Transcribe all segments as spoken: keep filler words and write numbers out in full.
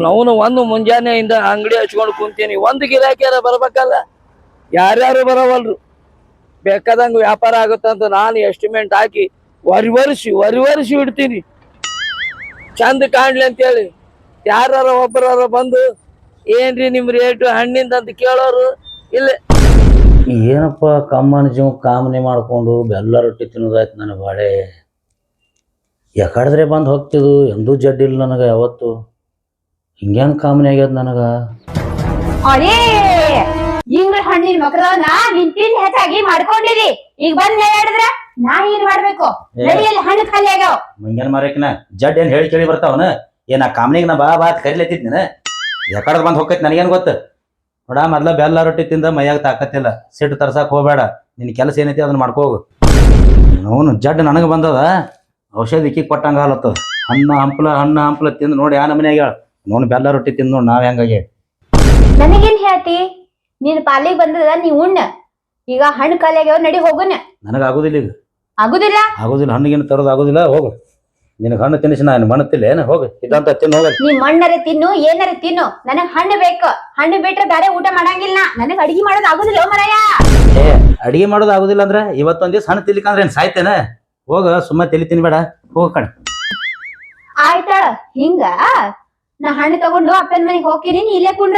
ಅವನು ಒಂದು ಮುಂಜಾನೆಯಿಂದ ಅಂಗಡಿ ಹಚ್ಕೊಂಡು ಕುಂತೀನಿ, ಒಂದು ಗಿರಾಕಿಯಾರ ಬರ್ಬೇಕಲ್ಲ, ಯಾರ್ಯಾರು ಬರವಲ್ರು. ಬೇಕಾದಂಗ ವ್ಯಾಪಾರ ಆಗುತ್ತಂತ ನಾನು ಎಸ್ಟಿಮೇಟ್ ಹಾಕಿ ವರಿವರ್ಸಿ ವರಿವರ್ಸಿ ಇಡ್ತೀನಿ ಚಂದ ಕಾಣ್ಲಿ ಅಂತೇಳಿ. ಯಾರ ಒಬ್ಬರಾರ ಬಂದು ಏನ್ರಿ ನಿಮ್ ರೇಟು ಹಣ್ಣಿಂದ ಅಂತ ಕೇಳೋರು ಇಲ್ಲ. ಏನಪ್ಪ ಕಮ್ಮನ ಜೀವ ಕಾಮನೆ ಮಾಡ್ಕೊಂಡು ಬೆಲ್ಲ ರೊಟ್ಟಿ ತಿನ್ನೋದಾಯ್ತು ನನ್ನ ಬಾಳೆ. ಯಾಕಡಿದ್ರೆ ಬಂದು ಹೋಗ್ತಿದ್ದು ಎಂದೂ ಜಡ್ಡಿಲ್ಲ ನನಗೆ ಯಾವತ್ತು. ಹಿಂಗೇನು ಕಾಮನೆ ಆಗ್ಯದ ನನಗ. ಅರೇ ಇಂಗ್ಳ ಹಣ್ಣಿನ ಮಕರವನ್ನ ನಿಂತಿನ ಹೆಚ್ಚಾಗಿ ಮಾಡ್ಕೊಂಡಿರಿ. ಈಗ ಬಂದ್ ಹೇಳಿದ್ರ ನಾ ಏನ್ ಮಾಡ್ಬೇಕು? ನಡಿಯಲ್ಲಿ ಹಣ್ಣು ಖಾಲಿ ಆಗ್ಯಾವ. ಮುಂಗೇನ್ ಮಾರಕಿನ ಜಡ್ ಏನ್ ಹೇಳಿ ಕೇಳಿ ಬರ್ತಾವನ? ಏನ ಕಾಮನಿಗೆ ನಾ ಬಾ ಬಾ ಕರಿಲತ್ತಿದ್ನ. ಯಾಕಡೆ ಬಂದು ಹೋಗ್ತೈತಿ ನನಗೇನು ಗೊತ್ತು. ನೋಡ ಮೊದ್ಲ ಬೆಲ್ಲ ರೊಟ್ಟಿ ತಿಂದ ಮೈಯಾಗ ತಾಕತ್ತಿಲ್ಲ. ಸಿಟ್ಟು ತರ್ಸಕ್ ಹೋಗ್ಬೇಡ. ನಿನ್ ಕೆಲಸ ಏನೈತಿ ಅದನ್ನ ಮಾಡ್ಕೋಗು. ಅವನು ಜಡ್ ನನಗೆ ಬಂದದ, ಔಷಧಿ ಇಕ್ಕಿ ಕೊಟ್ಟಂಗ ಹಾಲತ್ತದ. ಹಣ್ಣ ಹಂಪಲ ಹಣ್ಣ ಹಂಪಲ ತಿಂದು ನೋಡಿ ಆ ನಮನೆ ಆಗ್ಯಾಳ. ನೋಡ್ ಬೆಲ್ಲ ರೊಟ್ಟಿ ತಿಂದು ನೋಡಿ ನಾವ್ ಹೆಂಗಾಗಿ. ನನಗೇನ್ ಹೇಳ್ತಿ? ನೀನ್ ಪಾಲಿಗೆ ಬಂದದ ನೀ ಉಣ್ಣ. ಈಗ ಹಣ್ಣು ಖಾಲಿ ಆಗ್ಯಾವ, ನಡಿ ಹೋಗುನ. ನನಗ ಆಗುದಿಲ್ಲ ಈಗ. ಆಗುದಿಲ್ಲ ಆಗುದಿಲ್ಲ, ಹಣ್ಣಿಗೇನು ತರೋದು ಆಗುದಿಲ್ಲ. ಹೋಗು, ನಿನಗೆ ಹಣ್ಣು ತಿನ್ನಿಸಿ ನಾನು ಮಣ್ಣತ್ತಿಲ್ಲ ಏನು? ಹೋಗು, ಇದಂತ ತಿನ್ನು ಹೋಗ. ನೀ ಮಣ್ಣರೆ ತಿನ್ನು ಏನಾರ ತಿನ್ನು, ನನಗ್ ಹಣ್ಣು ಬೇಕು. ಹಣ್ಣು ಬಿಟ್ರೆ ಬೇರೆ ಊಟ ಮಾಡಂಗಿಲ್ಲ. ನನಗ್ ಅಡಿಗೆ ಮಾಡೋದು ಆಗುದಿಲ್ಲ ಮರಯ್ಯ. ಏ ಅಡಿಗೆ ಮಾಡೋದು ಆಗುದಿಲ್ಲ ಅಂದ್ರೆ ಇವತ್ತೊಂದ್ ದಿವ್ಸ ಹಣ್ಣು ತಿನ್ಲಿಕ್ಕಂದ್ರೆ ಏನ್ ಸಾಯ್ತೇನ? ಹೋಗ, ಸುಮ್ಮ ತಲಿ ತಿನ್ಬೇಡ, ಹೋಗ ಕಣ. ಆಯ್ತಾಳ ಹಿಂಗ. ನಾ ಹಣ್ಣು ತಗೊಂಡು ಅಪ್ಪನ ಮನೆಗೆ ಹೋಗ್ತೀನಿ, ನೀ ಇಲ್ಲೇ ಕುಂಡ್ರ.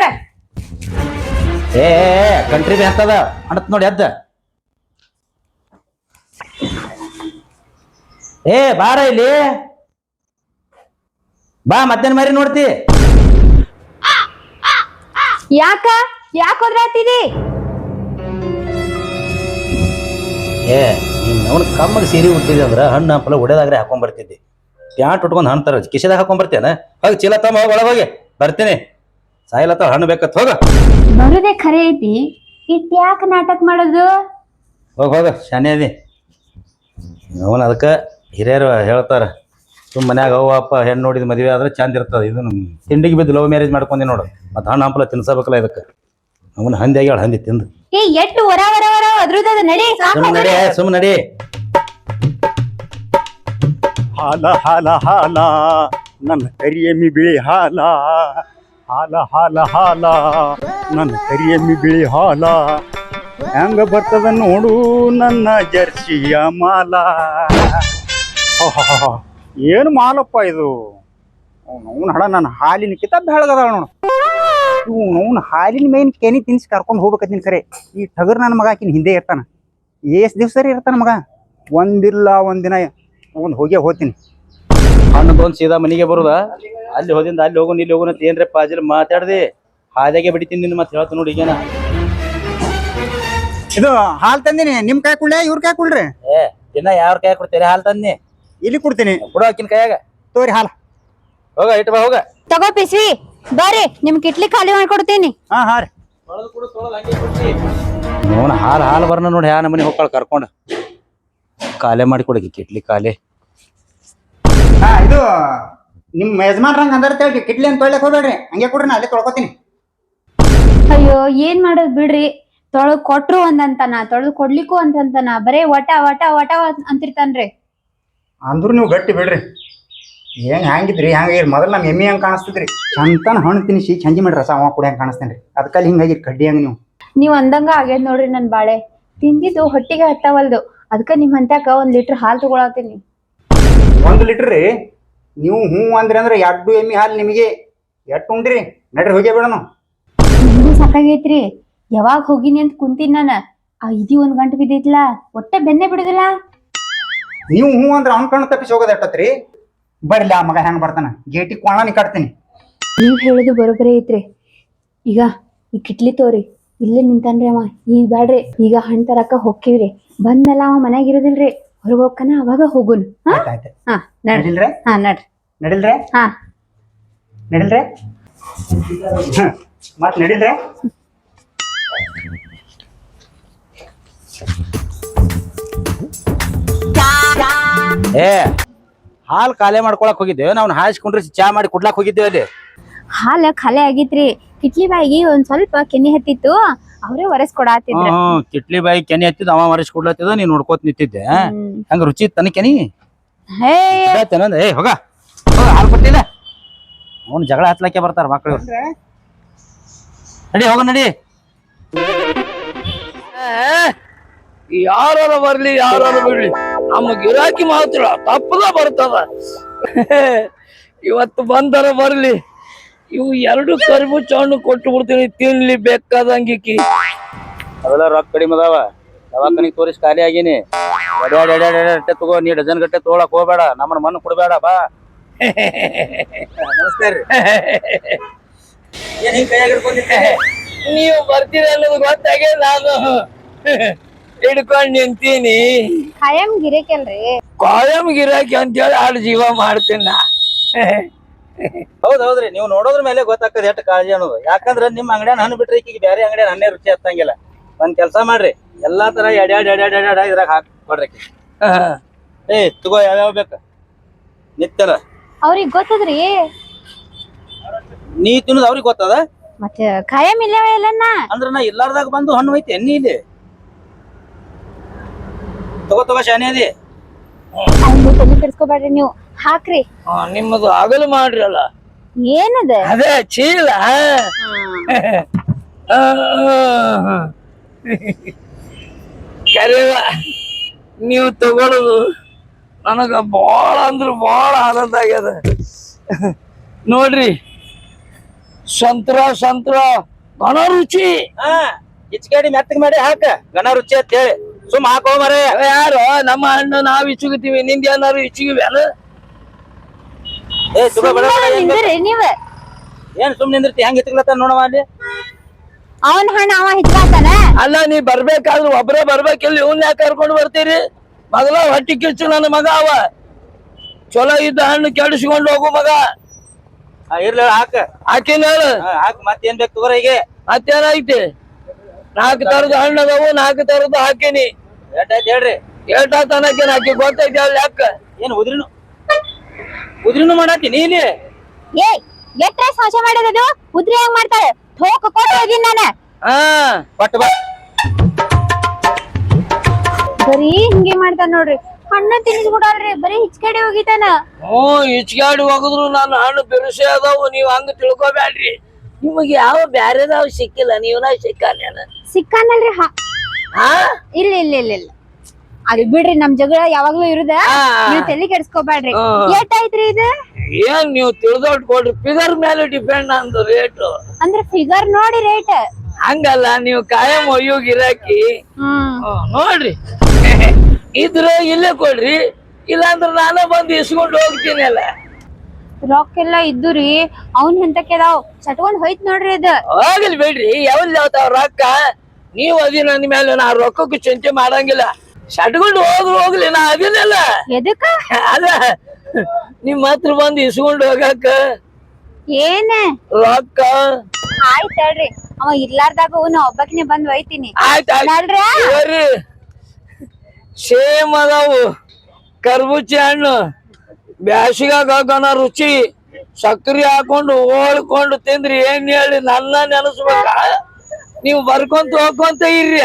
ಏ ಕಂಟ್ರಿ ಬಿ ಅಂತದ ಹಣತ್ ನೋಡಿ ಅದ್ದ. ಏ ಬಾರ ಇಲ್ಲಿ ಬಾ, ಮತ್ತೇನ್ ಮಾರಿ ನೋಡ್ತಿ? ಯಾಕ ಯಾಕ ಹೋದ್ರಾತಿದಿ? ಏ ನೀನ್ ಅವನು ಕಮ್ಮಗೆ ಸೀರೆ ಉಟ್ಟಿದ್ದೆ ಅಂದ್ರ ಹಣ್ಣು ಹಂಪಲ ಹೊಡೆದಾಗ್ರೆ ಹಾಕೊಂಡ್ ಬರ್ತಿದ್ದಿ. ಪ್ಯಾಂಟ್ ಉಟ್ಕೊಂಡ್ ಹಣ್ಣು ತರ ಕಿಶೆದಾಗ ಹಾಕೊಂಡ್ ಬರ್ತೇನ? ಹೋಗಿ ಚೀಲ ತಮ್ಮ, ಹೋಗಿ ಒಳಗೆ ಹೋಗಿ. ಬರ್ತೀನಿ, ಸಾಯಿಲತ್ತ ಹಣ್ಣು ಬೇಕತ್. ಹೋಗ, ಬರುದೇ ಖರೆ ಐತಿ, ಇಟ್ ಯಾಕ ನಾಟಕ ಮಾಡೋದು? ಹೋಗ ಹೋಗ, ಶಾನೆ ಅದಿ. ಅವನ್ ಅದಕ್ಕೆ ಹಿರಿಯರು ಹೇಳ್ತಾರ, ಸುಮ್ ಮನ್ಯಾಗ ಅವ್ವ ಅಪ್ಪ ಹೆಣ್ಣು ನೋಡಿದ ಮದುವೆ ಆದ್ರೆ ಚಂದ ಇರ್ತದ. ಇದು ತಿಂಡಿಗೆ ಬಿದ್ದು ಲವ್ ಮ್ಯಾರೇಜ್ ಮಾಡ್ಕೊಂಡಿ ನೋಡು. ಮತ್ತೆ ಹಣ್ಣು ಹಂಪಲ ತಿನ್ಸಬೇಕಲ್ಲ ಇದಕ್ಕೆ. ಅವನ ಹಂದಿ ಆಗ್ಯಾಳ, ಹಂದಿ ತಿಂದು. ಏ ಎಷ್ಟು ವರ ವರ ವರ ಅದ್ರದ್ದು ನಡಿ. ಸುಮ್ ನಡಿ, ಸುಮ್ ನಡಿ. ಹಾಲ ಹಾಲ ಹಾಲ ನನ್ನ ಕರಿಯಮ್ಮಿ ಬಿಳಿ ಹಾಲ. ಹಾಲ ಹಾಲ ಹಾಲ ನನ್ನ ಕರಿಯಮ್ಮಿ ಬಿಳಿ ಹಾಲ. ಹೆಂಗ ಬರ್ತದ ನೋಡು ನನ್ನ ಜರ್ಸಿಯ ಮಾಲ. ಏನು ಮಾಲಪ್ಪ ಇದು? ಅವ್ನು ಹಡ ನನ್ನ ಹಾಲಿನ ಕಿತಾಬ್ ಬೆಳಗದಾಳ ನೋಡು. ಇವು ಅವ್ನು ಹಾಲಿನ ಮೇನ್ ಕೆನಿ ತಿನ್ಸಿ ಕರ್ಕೊಂಡು ಹೋಗ್ಬೇಕತ್ತೀನಿ. ಖರೆ ಈ ಟಗರ್ ನನ್ನ ಮಗ ಆಕಿನ ಹಿಂದೆ ಇರ್ತಾನ. ಎಷ್ಟು ದಿವ್ಸ ಸರಿ ಇರ್ತಾನ ಮಗ? ಒಂದಿಲ್ಲ ಒಂದಿನ ಒಂದು ಹೋಗೇ ಹೋಗ್ತೀನಿ. ಹಣ್ಣು ತೊಗೊಂಡು ಸೀದಾ ಮನೆಗೆ ಬರುದ? ಅಲ್ಲಿ ಹೋದಿಂದ ಅಲ್ಲಿ ಹೋಗೋಣ ಇಲ್ಲಿ ಹೋಗೋಣ ಏನ್ರೆ ಪಾಜಲ್ ಮಾತಾಡ್ದೆ ಹಾದಿಯಾಗೆ ಬಿಡ್ತೀನಿ ನಿನ್ನ. ಮತ್ತೆ ಹೇಳ್ತ ನೋಡಿ ಈಗೇನ. ಇದು ಹಾಲು ತಂದಿನಿ, ನಿಮ್ ಕಾಯಿ ಕುಳ್ಳೆ ಇವ್ರ ಕಾಯಿ ಕುಳ್ರಿ. ಏ ದಿನ ಯಾರ ಕೈ ಕೊಡ್ತೀರಿ ಹಾಲು ತಂದಿ? ಇಲ್ಲಿ ಕೊಡ್ತೀನಿ, ಕೊಡು ಆಕಿನ ಕೈಯಾಗ. ತೋರಿ ಹಾಲು. ಹೋಗ ಇಟ್ಟು ಬಾ, ಹೋಗ. ತಗೋ ಪಿಸ್ವಿ, ಬರ್ರಿ ನಿಮ್ ಕಿಟ್ಲಿ ಖಾಲಿ ಮಾಡ್ಕೊಡ್ತೀನಿ. ಹಾ ಹಾ ರೀ. ನೋನ್ ಹಾಲು ಹಾಲು ಬರ್ನ ನೋಡಿ ಯಾ ನಮ್ಮನೆ ಹೋಗ್ಕೊಳ ಕರ್ಕೊಂಡು. ಕಾಲೇ ಮಾಡಿ ಕೊಡಗಿ ಕಿಟ್ಲಿ ಕಾಲೇ. ಹಾ ಇದು ನಿಮ್ ಯಜಮಾನ್ರಂಗ ಅಂದರ್ತೇಳಿ ಕಿಟ್ಲಿ ಅಂತ ತೊಳ್ಯಕ್ ಹೋಗ್ಬೇಡ್ರಿ, ಹಂಗೆ ಕೊಡ್ರಿ, ನಾ ಅಲ್ಲೇ ತೊಳ್ಕೊತೀನಿ. ಅಯ್ಯೋ ಏನ್ ಮಾಡೋದ್ ಬಿಡ್ರಿ. ತೊಳಗ್ ಕೊಟ್ರು ಒಂದಂತನ, ತೊಳೆದು ಕೊಡ್ಲಿಕ್ಕೂ ಅಂತಂತನ, ಬರೇ ವಟ ವಟ ವಟ ಅಂತಿರ್ತಾನ್ರಿ. ಅಂದ್ರು ನೀವು ಗಟ್ಟಿ ಬಿಡ್ರಿ. ಏನ್ ಹ್ಯಾಂಗಿದ್ರಿ ಹ್ಯಾಂಗಿರಿ? ಮೊದಲು ನಮ್ಮ ಎಮ್ಮಿ ಹಂಗೆ ಕಾಣಿಸ್ತಿದ್ರಿ. ಚಂತನ ಹಣ್ಣು ತಿನ್ನಿಸಿ ಚಂಜಿ ಮಾಡಿ ರಸ ಅವ ಕೂಡ ಹೆಂಗೆ ಕಾಣಿಸ್ತೇನ್ರಿ. ಅದಕ್ಕಲ್ಲಿ ಹಿಂಗಾಗಿ ಕಡ್ಡಿ ಹಂಗೆ ನೀವು. ನೀವ್ ಅಂದಂಗ ಆಗ್ಯದ ನೋಡ್ರಿ ನನ್ ಬಾಳೆ. ತಿಂದಿದ್ದು ಹೊಟ್ಟಿಗೆ ಹತ್ತವಲ್ದು, ಅದಕ್ಕ ನಿಮ್ ಹಂತ್ಯಾಕ ಒಂದ್ ಲೀಟರ್ ಹಾಲು ತಗೊಳತೀನಿ. ಒಂದು ಲೀಟರ್ ರೀ? ನೀವು ಹ್ಞೂ ಅಂದ್ರಿ ಅಂದ್ರೆ ಎರಡು ಎಮ್ಮಿ ಹಾಲು ನಿಮಗೆ ಎಟ್ಟು ಉಂಡ್ರಿ? ನಡ್ರಿ ಹೋಗೇ ಬಿಡೋಣ. ನಿಮ್ಗೂ ಸಾಕಾಗೈತ್ರಿ. ಯಾವಾಗ ಹೋಗಿನಿ ಅಂತ ಕುಂತೀನಿ ನಾನ. ಆ ಇದಿ ಒಂದ್ ಗಂಟೆ ಬಿದ್ದೈತ್ಲಾ, ಒಟ್ಟೆ ಬೆನ್ನೆ ಬಿಡುದಿಲ್ಲ. ನೀವು ಹ್ಞೂ ಅಂದ್ರೆ ಅವ್ನ ಕಣ್ಣು ತಪ್ಪಿಸಿ ಹೋಗೋದು ಎಟ್ಟತ್ರಿ? ಬರ್ಲಿ ಆ ಮಗ ಹೆಂಗೆ ಬರ್ತಾನ, ಗೇಟಿ ಕೊಳ್ಳಾನಿ ಕಟ್ತೀನಿ. ನೀವ್ ಹೇಳುದು ಬರೋಬ್ಬರಿ ಐತ್ರಿ. ಈಗ ಈ ಕಿಟ್ಲಿ ತೋರಿ, ಇಲ್ಲೇ ನಿಂತಾನ್ರಿ ಅವ. ಈಗ ಬ್ಯಾಡ್ರಿ, ಈಗ ಹಣ್ಣು ತರಕ ಹೋಗ್ಕಿವ್ರಿ. ಬಂದ್ಮೇಲೆ ಅವ ಮನ್ಯಾಗ ಇರೋದಿಲ್ರಿ, ಹೊರಗೆ ಹೋಗ್ಕನ ಅವಾಗ ಹೋಗುನ್. ಹಾ ನಡಿಲ್ರೆ? ಹಾ ನಡ್ರಿ. ನಡಿಲ್ರೆ? ಹಾ ನಡಿಲ್ರೆ? ಮತ್ ನಡಿಲ್ರೆ? ಏ ಹಾಲು ಖಾಲಿ ಮಾಡ್ಕೊಳಕ್ ಹೋಗಿದ್ದೇವೆ ನಾವು. ಹಾಯಿಸ್ಕೊಂಡ್ರೆ ಚಾ ಮಾಡಿ ಕುಡ್ಲಾಕ್ ಹೋಗಿದ್ದೇವೆ ಅಲ್ಲಿ. ಹಾಲ ಖಾಲಿ ಆಗಿತ್ರಿ. ಕಿಟ್ಲಿ ಬಾಯಿಗೆ ಒಂದ್ ಸ್ವಲ್ಪ ಕೆನೆ ಹತ್ತಿತ್ತು, ಅವ್ರೇ ಒರೆಸ್ ಕೊಡಾತಿದ್ರ. ಹ್ಮ್ ಕಿಟ್ಲಿ ಬಾಯಿ ಕೆನೆ ಹತ್ತಿದ್ ಅವ ಮರಿಸಿ ಕೊಡ್ಲತ್ತಿದ, ನೀನ್ ನೋಡ್ಕೋತ ನಿಂತಿದ್ದೆ. ಹಂಗ ರುಚಿ ತನ ಕೆನಿ. ಹೇ ಏ ಹೋಗ ಹೋಗ, ಹಾಲು ಕೊಟ್ಟಿಲ್ಲ ಅವ್ನು ಜಗಳ ಹತ್ಲಕ್ಕೆ ಬರ್ತಾರ ಮಕ್ಳು. ನಡಿ ಹೋಗ ನಡಿ. ಯಾರ ಬರ್ಲಿ ಯಾರು ಬಿಡ್ಲಿ ನಮ್ಮ ಗಿರಾಕಿ ಮಾತ್ರ ತಪ್ಪದ ಬರ್ತದ. ಇವತ್ತು ಬಂದರ ಬರ್ಲಿ, ಇವು ಎರಡು ಕರಿಬುಚ್ಚ ಹಣ್ಣು ಕೊಟ್ಟು ಬಿಡ್ತೀನಿ, ತಿನ್ಲಿ ಬೇಕಾದಂಗಿಕ್ಕಿ. ಅವೆಲ್ಲ ರೊಕ್ಕ ಕಡಿಮೆ ಅದಾವ, ದವಾಖಾನಿಗೆ ತೋರಿಸಿ ಖಾಲಿ ಆಗೀನಿ. ಎಡ್ಯಾಡ್ ಎಡ್ಯಾಡ್ ಎಡ್ಯಾಡ್ ಅಟ್ಟೆ ತಗೋ, ನೀ ಡಜನ್ ಗಟ್ಟೆ ತಗೊಳಕ್ ಹೋಗ್ಬೇಡ, ನಮ್ಮನ್ನ ಮಣ್ಣು ಕೊಡ್ಬೇಡ ಬಾ. ನಮಸ್ಕಾರ ರೀ. ಏನ್ ಹಿಂಗ್ ಕೈಯಾಗ ಹಿಡ್ಕೊಂಡಿದ್ದೆ? ನೀವು ಬರ್ತೀರ ಅನ್ನೋದು ಗೊತ್ತಾಗೆ ನಾನು ಹಿಡ್ಕೊಂಡ್ ನಿಂತೀನಿ. ಖಾಯಂ ಗಿರೇಕಲ್ರಿ. ಕಾಯಂ ಗಿರಾಕಿ ಅಂತೇಳಿ ಆಡು ಜೀವ ಮಾಡ್ತೀನಿ ನಾ. ಹೌದ್ ಹೌದ್ರಿ, ನೀವು ನೋಡೋದ್ರ ಮೇಲೆ ಗೊತ್ತಾಗ್ತದೆ ಎಷ್ಟು ಕಾಳಜಿ ಅನ್ನೋದು. ಯಾಕಂದ್ರ ನಿಮ್ ಅಂಗಡಿಯನ್ನ ಹಣ್ಣು ಬಿಟ್ರೆ ಈಕಿಗೆ ಬೇರೆ ಅಂಗಡಿಯನ್ನ ಹಣ್ಣೇ ರುಚಿ ಹತ್ತಂಗಿಲ್ಲ. ಒಂದ್ ಕೆಲ್ಸ ಮಾಡ್ರಿ, ಎಲ್ಲಾ ತರ ಎಡ್ಯಾಡ್ ಎಡ್ಯಾಡ್ ಎಡ್ಯಾಡ್ ಇದ್ರಾಗ ಹಾಕಿ ಕೊಡ್ರಿ. ಏ ತಗೋ, ಯಾವ್ಯಾವ ಬೇಕ ನಿತ್ಯರ. ಅವ್ರಿಗೆ ಗೊತ್ತದ್ರಿ. ನೀ ತಿನ್ನೋದು ಅವ್ರಿಗೆ ಗೊತ್ತದ. ಮತ್ತೆ ಖಾಯಂ ಇಲ್ಲವೇ ಇಲ್ಲನ್ನ ಅಂದ್ರ ನಾ ಇಲ್ಲಾರ್ದಾಗ ಬಂದು ಹಣ್ಣು ಐತಿ ಎಣ್ಣಿ ಇಲ್ಲಿ. ತಗೋ ತಗೋ ಶಾನೆ ಅದಿ. ಅವ್ನು ತಲೆ ಕೆಡ್ಸ್ಕೊಬೇಡ್ರಿ ನೀವು, ಹಾಕ್ರಿ. ನಿಮ್ಮದು ಆಗಲು ಮಾಡ್ರಲ್ಲ, ಏನದ ಅದೇ ಚೀಲ. ಕರೆವ ನೀವು ತಗೊಳ್ಳೋದು ನನಗ ಬಾಳ ಅಂದ್ರ ಬಾಳ ಆನಂದ ಆಗ್ಯದ. ನೋಡ್ರಿ, ಸಂತ್ರ ಸಂತ್ರ ಘನ ರುಚಿ. ಹಾ ಇಚ್ಕೇಡಿ ಮೆತ್ತಗ್ ಮಾಡಿ ಹಾಕ, ಘನ ರುಚಿ ಅಂತ ಹೇಳಿ ಸುಮ್ ಹಾಕೋ ಮರೆ. ಯಾರು ನಮ್ಮ ಹಣ್ಣು ನಾವ್ ಇಚ್ಚುಗುತ್ತೀವಿ, ನಿಂದ ಏನಾರು ಇಚ್ಚುಗಿವ್ಯಾನ? ಏ ತಗೋ ಬೇಡ ಬೇಡ, ಏನ್ ಬೇಕು? ನಿಂದ್ರಿ ನೀವ. ಏನ್ ಸುಮ್ ನಿಂದಿರ್ತಿ? ಹೆಂಗ್ ಇಟ್ಲತ್ತ ನೋಡವ ಅಲ್ಲಿ. ಅವನ್ ಹಣ್ಣ ಅವ ಹಿಚ್ಕಾತಾನ. ಅಲ್ಲ, ನೀ ಬರ್ಬೇಕಾದ್ರು ಒಬ್ರೇ ಬರ್ಬೇಕಿಲ್ಲ, ಇವ್ನ ಯಾಕೆ ಕರ್ಕೊಂಡು ಬರ್ತೀರಿ? ಮೊದಲ ಹೊಟ್ಟಿ ಕಿಚ್ಚು ನನ್ನ ಮಗ ಅವ, ಚಲೋ ಇದ್ದ ಹಣ್ಣು ಕೆಡಿಸ್ಕೊಂಡು ಹೋಗು ಮಗ. ಇರ್ಲಿ ಹಾಕ, ಆಕಿನ ಹೇಳು. ಹಾಕ್ ಮತ್ತೇನ್ ಬೇಕು ತಗೋರ. ಈಗ ಮತ್ತೇನೈತಿ? ನಾಲ್ಕು ತರದ ಹಣ್ಣು ಅದಾವು, ನಾಲ್ಕು ತರದ ಹಾಕಿನಿ. ಎಷ್ಟಾಯ್ತು ಹೇಳ್ರಿ? ಏಟಾ ತನಕೇನ್ ಆಕಿ ಗೊತ್ತೈತಿ ಅಲ್ಲಿ ಯಾಕ? ಏನ್ ಉದ್ರಿನು ಉದ್ರಿನು ಮಾಡತ್ತೀನಿ ಇಲ್ಲಿ. ಏ ಎಟ್ರೆ ಸಾಚ ಮಾಡೋದದು? ಉದ್ರಿ ಹೆಂಗ್ ಮಾಡ್ತಾಳೆ? ಥೋಕ ಕೊಟ್ಟು ಹೋಗಿನ್ ನಾನು. ಹಾ ಪಟ್ ಬಾ. ಬರೀ ಹಿಂಗೆ ಮಾಡ್ತಾನ ನೋಡ್ರಿ, ಹಣ್ಣ ತಿನ್ನಿಸ್ಬಿಡಲ್ರಿ, ಬರೀ ಹಿಚ್ಕಡೆ ಹೋಗಿತಾನ. ಹ್ಞೂ ಇಚ್ಗಾಡಿ ಹೋಗಿದ್ರು ನಾನು ಹಣ್ಣು ಬಿರುಸೆ ಅದಾವು, ನೀವ್ ಹಂಗ ತಿಳ್ಕೊಬ್ಯಾಡ್ರಿ. ನಿಮಗೆ ಯಾವ ಬ್ಯಾರೆದಾವ್ ಸಿಕ್ಕಿಲ್ಲ, ನೀವನ ಸಿಕ್ಕಾನೇನ? ಸಿಕ್ಕಾನಲ್ರಿ. ಹಾ ಹಾ ಇಲ್ಲ ಇಲ್ಲ ಇಲ್ಲ ಇಲ್ಲ ಅದು ಬಿಡ್ರಿ, ನಮ್ ಜಗಳ ಯಾವಾಗ್ಲೂ ಇರುದ. ನೀವ್ ತಲೆ ಕೆಡ್ಸ್ಕೊಬ್ಯಾಡ್ರಿ. ಎಷ್ಟಾಯ್ತ್ರಿ ಇದು? ಏನ್ ನೀವು ತಿಳಿದೊಟ್ಟು ಕೊಡ್ರಿ, ಫಿಗರ್ ಮೇಲೆ ಡಿಪೆಂಡ್ ಅಂದು ರೇಟು. ಅಂದ್ರೆ ಫಿಗರ್ ನೋಡಿ ರೇಟ್. ಹಂಗಲ್ಲ, ನೀವು ಕಾಯಂ ಒಯ್ಯೋ ಗಿರಾಕಿ. ಹ್ಮ್ ಹ್ಮ್, ನೋಡ್ರಿ ಇದ್ರ ಇಲ್ಲೇ ಕೊಡ್ರಿ, ಇಲ್ಲಾಂದ್ರ ನಾನೇ ಬಂದು ಇಸ್ಕೊಂಡು ಹೋಗ್ತೀನಿ ಅಲ್ಲ. ರೊಕ್ಕ ಎಲ್ಲಾ ಇದ್ದುರಿ, ಅವ್ನ್ ಎಂತಕ್ಕೆ ಅದಾವ್ ಚಟ್ಕೊಂಡ್ ಹೋಯ್ತ್ ನೋಡ್ರಿ ಇದು. ಹೋಗಲಿ ಬಿಡ್ರಿ, ಯಾವಲ್ ಯಾವತ್ತಾವ ರೊಕ್ಕ. ನೀವ್ ಅದಿ ನನ್ನ ಮೇಲೆ, ನಾ ರೊಕ್ಕಕ್ಕೂ ಚಿಂತೆ ಮಾಡಂಗಿಲ್ಲ. ಸಟ್ಕೊಂಡು ಹೋದ್ರು ಹೋಗ್ಲಿ, ನಾ ಅದಿನಲ್ಲ. ಎದಕ್ಕ? ಅದ ನಿಮ್ ಹತ್ರ ಬಂದು ಇಸ್ಕೊಂಡು ಹೋಗಾಕ ಏನ ರೊಕ್ಕ. ಆಯ್ತ್ ಹೇಳ್ರಿ, ಅವ ಇರ್ಲಾರ್ದಾಗ ನಾ ಒಬ್ಬಕಿನೇ ಬಂದ್ ಒಯ್ತೀನಿ. ಆಯ್ತಾಯ್ತು ಸೇಮ್ ಅದಾವು ಕರ್ಬೂಜಿ ಹಣ್ಣು, ಬ್ಯಾಸಿಗಾಗ ಘನ ರುಚಿ. ಸಕ್ರಿ ಹಾಕೊಂಡು ಓಳ್ಕೊಂಡು ತಿಂದ್ರಿ ಏನ್ ಹೇಳಿ ನನ್ನ ನೆನಸ್ಬೇಕ? ನೀವು ಬರ್ಕೊಂತ ಹೋಗ್ಕೊಂತ ಇರ್ರಿ.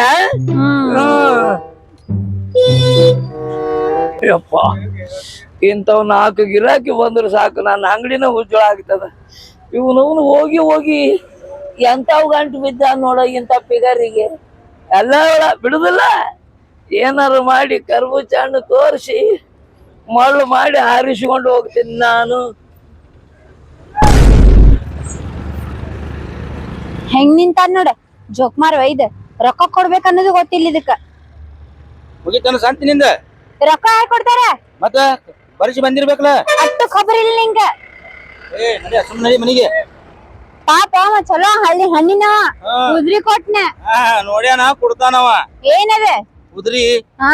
ಯಪ್ಪ, ಇಂಥವ್ ನಾಲ್ಕು ಗಿರಾಕಿ ಬಂದ್ರೆ ಸಾಕು, ನನ್ನ ಅಂಗಡಿನ ಉಜ್ವಳ ಆಗ್ತದ. ಇವನವನು ಹೋಗಿ ಹೋಗಿ ಎಂಥವ್ ಗಂಟು ಬಿದ್ದ ನೋಡ ಇಂಥ ಫಿಗರಿಗೆ. ಎಲ್ಲ ಬಿಡುದಿಲ್ಲ, ಏನಾರು ಮಾಡಿ ಕರ್ಬೂಜ ಹಣ್ಣು ತೋರಿಸಿ ಮಳ್ಳು ಮಾಡಿ ಹಾರಿಸಿಕೊಂಡು ಹೋಗ್ತೀನಿ ನಾನು. ಹೆಂಗ್ ನಿಂತ ನೋಡ ಜೋಕ್ಮಾರ್ ಒಯ್ದ. ರೊಕ್ಕ ಕೊಡ್ಬೇಕ ಅನ್ನೋದು ಗೊತ್ತಿಲ್ಲ ಇದಕ್ಕ. ಮುಗಿತಾನ ಸಂತಿನಿಂದ ರೊಕ್ಕ ಯಾಕೆ ಕೊಡ್ತಾರ? ಮತ್ತ ಬರಿಸಿ ಬಂದಿರ್ಬೇಕಲ್ಲ. ಅಷ್ಟು ಖಬರ್ ಇಲ್ಲ ನಿಂಗ. ಏ ನಡಿ, ಸುಮ್ಮನೆ ನಡಿ ಮನಿಗೆ. ಪಾಪ ಅವ ಚಲೋ ಹಳ್ಳಿ ಹಣ್ಣಿನವ, ಉದ್ರಿ ಕೊಟ್ನ. ಹಾ ನೋಡ್ಯಾನ, ಕೊಡ್ತಾನವ. ಏನದ ಉದ್ರಿ? ಹಾ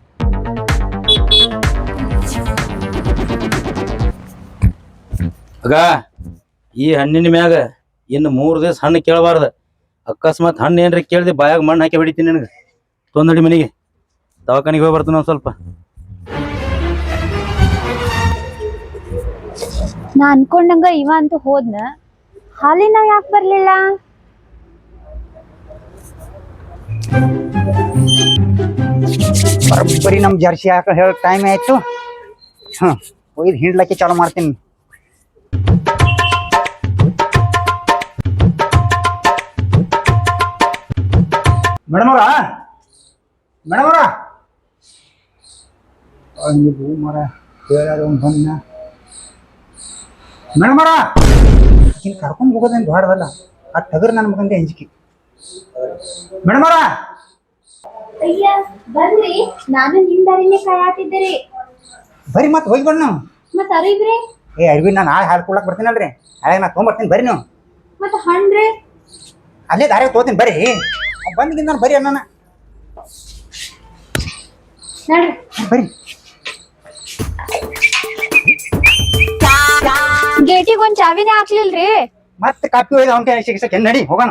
ಆಗ ಈ ಹಣ್ಣಿನ ಮ್ಯಾಗ ಇನ್ನು ಮೂರ್ ದಿವಸ ಹಣ್ಣು ಕೇಳಬಾರ್ದ. ಅಕಸ್ಮಾತ್ ಹಣ್ಣು ಏನ್ರಿ ಕೇಳ್ದೆ ಬಾಯಾಗ ಮಣ್ಣು ಹಾಕಿ ಹೊಡಿತೀನಿ ನನಗೆ. ತೊಂದಡಿ ಮನಿಗೆ, ದವಾಖಾನಿಗೆ ಹೋಗಿ ಬರ್ತಾನ ಒಂದ್ ಸ್ವಲ್ಪ. ನಾ ಅನ್ಕೊಂಡಂಗ ಇವ ಅಂತೂ ಹೋದ್ನ, ಹಾಲಿನ ಯಾಕೆ ಬರ್ಲಿಲ್ಲ? ಬರೀ ನಮ್ ಜರ್ಸಿ ಹಾಕ ಹೇಳ ಟೈಮ್ ಆಯ್ತು. ಹ್ಮ್ ಒಯ್ದು ಹಿಂಡ್ಲಕ್ಕೆ ಚಾಲು ಮಾಡ್ತೀನಿ. ಮೇಡಮ್ ಅವರ ಮೇಡಮ್ ಅವರ ನೀವು ಮರ ಹೇಳಾರ ಬಂದ ಮೇಡಮ್ ಅವರ ಈಗ ಕರ್ಕೊಂಡು ಹೋಗೋದೇನು ದೊಡ್ಡದಲ್ಲ ಆ ಟಗರ್ ನನ್ನ ಮಗಂದೆ ಅಂಜಿಕೆ ಮೇಡಮ್ ಅವರ ಅಯ್ಯ ಬರ್ರಿ ನಾನು ನಿಮ್ ದಾರಿನೇ ಕಾಯತಿದ್ದೆ ಬರ್ರಿ ಮತ್ತೆ ಹೋಗಿ ಬಣ್ಣ ಮತ್ತ ಅರಿಬ್ರಿ ಏ ಅರ್ವಿ ನಾನು ಹಾಳು ಹಾಲು ಕೊಡಕ್ಕೆ ಬರ್ತೀನಲ್ರಿ ಹಾಗೆ ನಾ ತೊಗೊಂಬರ್ತೀನಿ ಬರ್ರಿ ನೀವು ಮತ್ತ ಹಣ್ಣ್ರಿ ಅಲ್ಲೇ ದಾರಿ ತಗೋತೀನಿ ಬರ್ರಿ ಬಂದಿಗಿಂದ ನಾನು ಬರ್ರಿ ಅಣ್ಣ ನೋಡ್ರಿ ಬರ್ರಿ ಗೇಟಿಗೆ ಒಂದ್ ಚಾವಿನೇ ಹಾಕ್ಲಿಲ್ರಿ ಮತ್ತೆ ಕಾಪಿ ಒಯ್ದು ಅವನ ಕೈ ಸಿಗಿಸಕ್ಕೆ ನಡಿ ಹೋಗೋಣ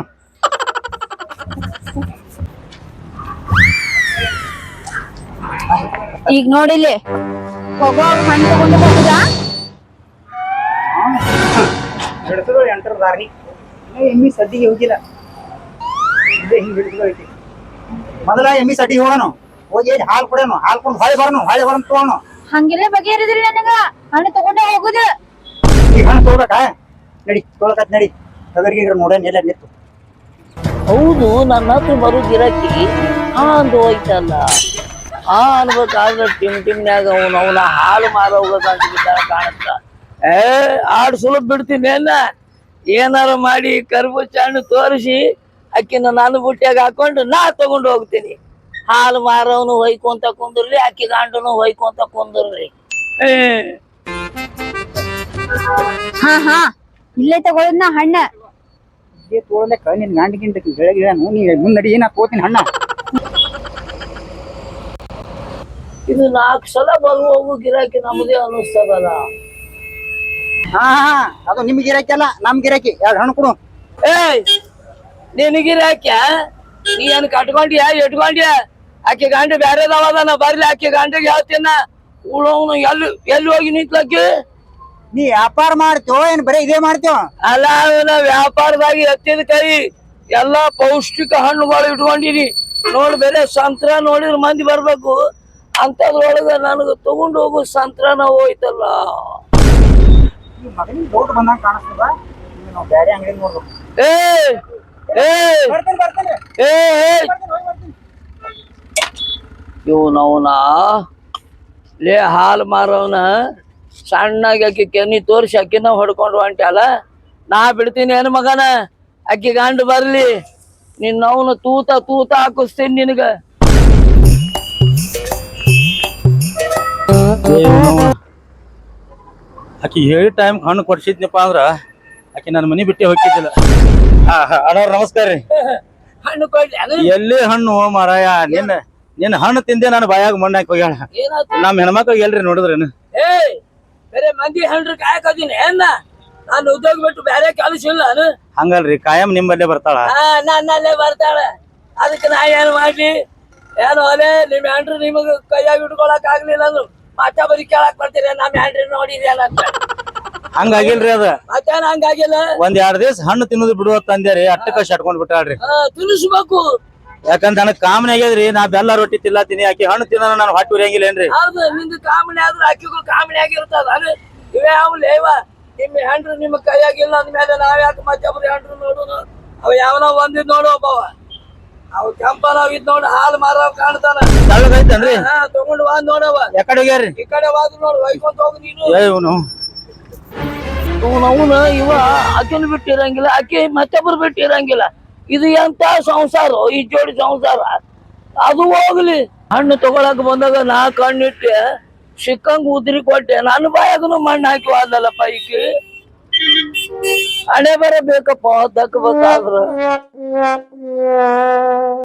ಈಗ ನೋಡಿಲಿ ಹೋಗೋವಾಗ ಹಣ್ಣು ತಗೊಂಡು ಹೋಗುದಾ ಹಿಡಿದ್ರು ಎಂಟರ ದಾರಿ ಎಮ್ಮಿ ಸಡ್ಡಿಗೆ ಹೋಗಿಲ್ಲ ಇದೇ ಹಿಂಗೆ ಹಿಡಿದ್ರು ಐತಿ ಮೊದಲ ಎಮ್ಮಿ ಸಡ್ಡಿಗೆ ಹೋಗೋಣ ಹೋಗಿ ಹಾಲು ಕೊಡೋಣ ಹಾಲು ಕೊಡು ಹೊಳೆ ಬರೋಣ ಹೊಳೆ ಬರೋಣ ತಗೋಣ ಹಂಗೆಲ್ಲ ಬಗೆಹರಿದ್ರಿ ನನಗ ಹಣ್ಣು ತಗೊಂಡೇ ಹೋಗುದ ಈಗ ಹಣ್ಣು ತಗೋಬೇಕಾ ನಡಿ ತೊಗೊಳಕತ್ ನಡಿ ತಗರ್ಗಿಗ್ರ ನೋಡೋಣ ಎಲ್ಲ ನಿಂತು ಹೌದು ನನ್ನ ಹತ್ರ ಬರೋ ಗಿರಾಕಿ ಹಾ ಅಂದು ಹೋಯ್ತಲ್ಲ ಹಾ ಅನ್ಬೇಕಾದ್ರೆ ಟಿಮ್ ಟಿಮ್ನ್ಯಾಗ ಅವನು ಅವನ ಹಾಲು ಮಾರ ಹೋಗೋದಂತ ಬಿದ್ದಾಗ ಕಾಣುತ್ತ ಏ ಆಡ್ ಸುಲಭ ಬಿಡ್ತೀನಿ ಏನ ಏನಾರ ಮಾಡಿ ಕರ್ಬೂಜ ಹಣ್ಣು ತೋರಿಸಿ ಅಕ್ಕಿನ ನಾನು ಬುಟ್ಟಿಯಾಗ ಹಾಕೊಂಡು ನಾ ತಗೊಂಡು ಹೋಗ್ತೀನಿ ಹಾಲು ಮಾರವನು ಹೊಯ್ಕೊಂತ ಕುಂದ್ರಿ ಅಕ್ಕಿ ಗಂಡನು ಹೊಯ್ಕೊಂತ ಕುಂದ್ರಿ ಏ ಹಾ ಹಾ ಇಲ್ಲೇ ತಗೊಳದ್ನ ಹಣ್ಣ ಇದೇ ತೋಳಲೆಕ್ಕ ನಿನ್ ಗಂಡಿಗಿಂತ ಬೆಳಗ್ಗೆ ನೀ ಮುಂದಡಿ ಏನ ತಗೋತೀನಿ ಹಣ್ಣ ಇದು ನಾಲ್ಕು ಸಲ ಬರು ಹೋಗು ಗಿರಾಕಿ ನಮ್ದೇ ಅನ್ನಿಸ್ತದಲ್ಲ ಹಾ ಹಾ ಅದು ನಿಮ್ ಗಿರಾಕಿ ಅಲ್ಲ ನಮ್ ಗಿರಾಕಿ ಎರಡು ಹಣ್ಣು ಕೊಡು ಏಯ್ ನಿನಗಿರಾಕ್ಯ ನೀ ಏನ್ ಕಟ್ಕೊಂಡ್ಯಾ ಇಟ್ಕೊಂಡ್ಯಾ ಆಕೆ ಗಂಡ ಬ್ಯಾರೆದವದನ ಬರ್ಲಿ ಆಕೆ ಗಂಡಗೆ ಹೇಳ್ತೀನ ಉಳವನು ಎಲ್ಲಿ ಎಲ್ಲಿ ಹೋಗಿ ನಿಂತ್ಲಕ್ಕಿ ನೀ ವ್ಯಾಪಾರ ಮಾಡ್ತೇವೋ ಏನ್ ಬರೀ ಇದೇ ಮಾಡ್ತೇವ ಅಲ್ಲ ಅವನ ವ್ಯಾಪಾರದಾಗ ಎತ್ತಿದ ಕೈ ಎಲ್ಲಾ ಪೌಷ್ಟಿಕ ಹಣ್ಣುಗಳು ಇಟ್ಕೊಂಡಿನಿ ನೋಡ್ ಬೇರೆ ಸಂತ್ರ ನೋಡಿದ್ರ ಮಂದಿ ಬರ್ಬೇಕು ಅಂತದ್ರೊಳಗ ನನಗ ತಗೊಂಡು ಹೋಗು ಸಂತ್ರನ ಹೋಯ್ತಲ್ಲ ಮಗನಿಗೆ ಡೌಟ್ ಬಂದಂಗ ಕಾಣಿಸ್ತದ ನಾವು ಬೇರೆ ಅಂಗಡಿ ನೋಡ್ಬೇಕು ಏ ಏ ಬರ್ತೇನೆ ಬರ್ತೇನೆ ಏ ಇವನವನ ಲೇ ಹಾಲು ಮಾರವನ ಸಣ್ಣಗೆ ಅಕ್ಕಿ ಕೆನ್ನಿ ತೋರಿಸಿ ಅಕ್ಕಿನ ಹೊಡ್ಕೊಂಡು ಹೊಂಟ್ಯಾಲ ನಾ ಬಿಡ್ತೀನಿ ಏನು ಮಗನ ಅಕ್ಕಿ ಗಂಡು ಬರ್ಲಿ ನಿನ್ನವನು ತೂತ ತೂತ ಹಾಕಿಸ್ತೀನಿ ನಿನಗ ಆಕಿ ಹೇಳಿ ಟೈಮ್ ಹಣ್ಣು ಕೊಡ್ಸಿದ್ನಪ್ಪ ಅಂದ್ರ ಆಕಿ ನನ್ನ ಮನಿ ಬಿಟ್ಟೆ ಹೋಗಿದ್ದಿಲ್ಲ ಅಣ್ಣವ್ರ ನಮಸ್ಕಾರ ರೀ ಹಣ್ಣು ಕೊಡ್ಲಿ ಎಲ್ಲಿ ಹಣ್ಣು ಮಾರಾಯ ನಿನ್ನ ನಿನ್ನ ಹಣ್ಣು ತಿಂದೆ ನಾನು ಬಾಯಾಗ ಮಣ್ಣು ಹಾಕಿ ಹೋಗ್ಯಾಳ ಏನಾಯ್ತು ನಮ್ಮ ಹೆಣ್ಮಕ್ಳಿಗೆ ಎಲ್ರಿ ನೋಡಿದ್ರೇನು ಏ ಬೇರೆ ಮಂದಿ ಹಣ್ರು ಕಾಯಕದೀನಿ ಏನ ನಾನು ಉದ್ಯೋಗ ಬಿಟ್ಟು ಬೇರೆ ಕೆಲಸ ಇಲ್ಲ ನಾನು ಹಂಗಲ್ರಿ ಕಾಯಂ ನಿಮ್ಮಲ್ಲೇ ಬರ್ತಾಳ ಹಾ ನನ್ನಲ್ಲೇ ಬರ್ತಾಳೆ ಅದಕ್ಕೆ ನಾ ಏನ್ ಮಾಡ್ಲಿ ಏನು ಅಲೆ ನಿಮ್ ಹೆಂಡ್ರು ನಿಮಗ ಕೈಯಾಗ ಇಟ್ಕೊಳಕ್ ಆಗ್ಲಿಲ್ಲ ಅಂದ್ರು ಮತ್ತೆ ಬರೀ ಕೇಳಕ್ ಬರ್ತೀರಿ ನಮ್ ಹೆಂಡ್ರಿ ನೋಡಿದ್ಯಲ್ಲ ಅಂತ ಹಂಗಾಗಿಲ್ರಿ ಅದ ಮತ್ತೇನ್ ಹಂಗಾಗಿಲ್ಲ ಒಂದ್ ಎರಡ್ ದಿವಸ ಹಣ್ಣು ತಿನ್ನೋದು ಬಿಡುವ ತಂದ್ಯಾರಿ ಅಟ್ಟಕ್ಕ ಶಟ್ಕೊಂಡ್ ಬಿಟ್ಟಾಳ್ರಿ ಹಾ ತಿನ್ನಿಸ್ಬೇಕು ಯಾಕಂದ್ರ ನನಗ್ ಕಾಮನ್ ಆಗ್ಯದ್ರಿ ನಾ ಬೆಲ್ಲ ರೊಟ್ಟಿ ತಿನ್ನತೀನಿ ಆಕಿ ಹಣ್ಣು ತಿನ್ನೋ ನಾನು ಹೊಟ್ಟಿ ಉರಿಯಂಗಿಲ್ಲೇನ್ರಿ ಹೌದು ನಿಂದು ಕಾಮಣಿ ಆದ್ರೆ ಅಕ್ಕಿಗೂ ಕಾಮಣಿ ಆಗಿರ್ತದ ಅದು ಇವೇ ಅವ್ಲೆ ಇವ ನಿಮ್ಮ ಹೆಂಡ್ರು ನಿಮ್ಮ ಕೈಯಾಗಿಲ್ಲ ಅಂದ್ಮೇಲೆ ನಾವ್ ಯಾಕೆ ಮತ್ತೊಬ್ರು ಹೆಂಡ್ರು ನೋಡುನು ಅವ ಯಾವನ ಒಂದಿದ್ ನೋಡು ಒಬ್ಬವ ಅವ್ ಕೆಂಪನ ಇದ್ ನೋಡು ಹಾಲು ಮಾರವ್ ಕಾಣ್ತಾನ ತಳ್ಳಗೈತನ್ರಿ ಹಾ ತಗೊಂಡು ವಾದ್ ನೋಡವ ಯಾಕಡೆ ಹೋಗ್ಯಾರ್ರಿ ಈ ಕಡೆ ವಾದ್ ನೋಡು ಒಯ್ಕೊಂತ ಹೋಗು ನೀನು ಏ ಇವನು ಅವನ ಇವ ಆಕೆನು ಬಿಟ್ಟಿರಂಗಿಲ್ಲ ಆಕೆ ಮತ್ತೊಬ್ರು ಬಿಟ್ಟಿರಂಗಿಲ್ಲ ಇದು ಎಂತ ಸಂಸಾರ ಈ ಜೋಡಿ ಸಂಸಾರ ಅದು ಹೋಗ್ಲಿ ಹಣ್ಣು ತಗೊಳಕ್ ಬಂದಾಗ ನಾ ಕಣ್ಣಿಟ್ಟೆ ಸಿಕ್ಕಂಗ್ ಉದ್ರಿ ಕೊಟ್ಟೆ ನಾನು ಬಾಯಾಗನು ಮಣ್ಣು ಹಾಕಿ ಹೋದಲ್ಲಪ್ಪ ಈಕಿ ಹಣೆ ಬರ ಬೇಕಪ್ಪ ದಕ್ಕಬೇಕಾದ್ರ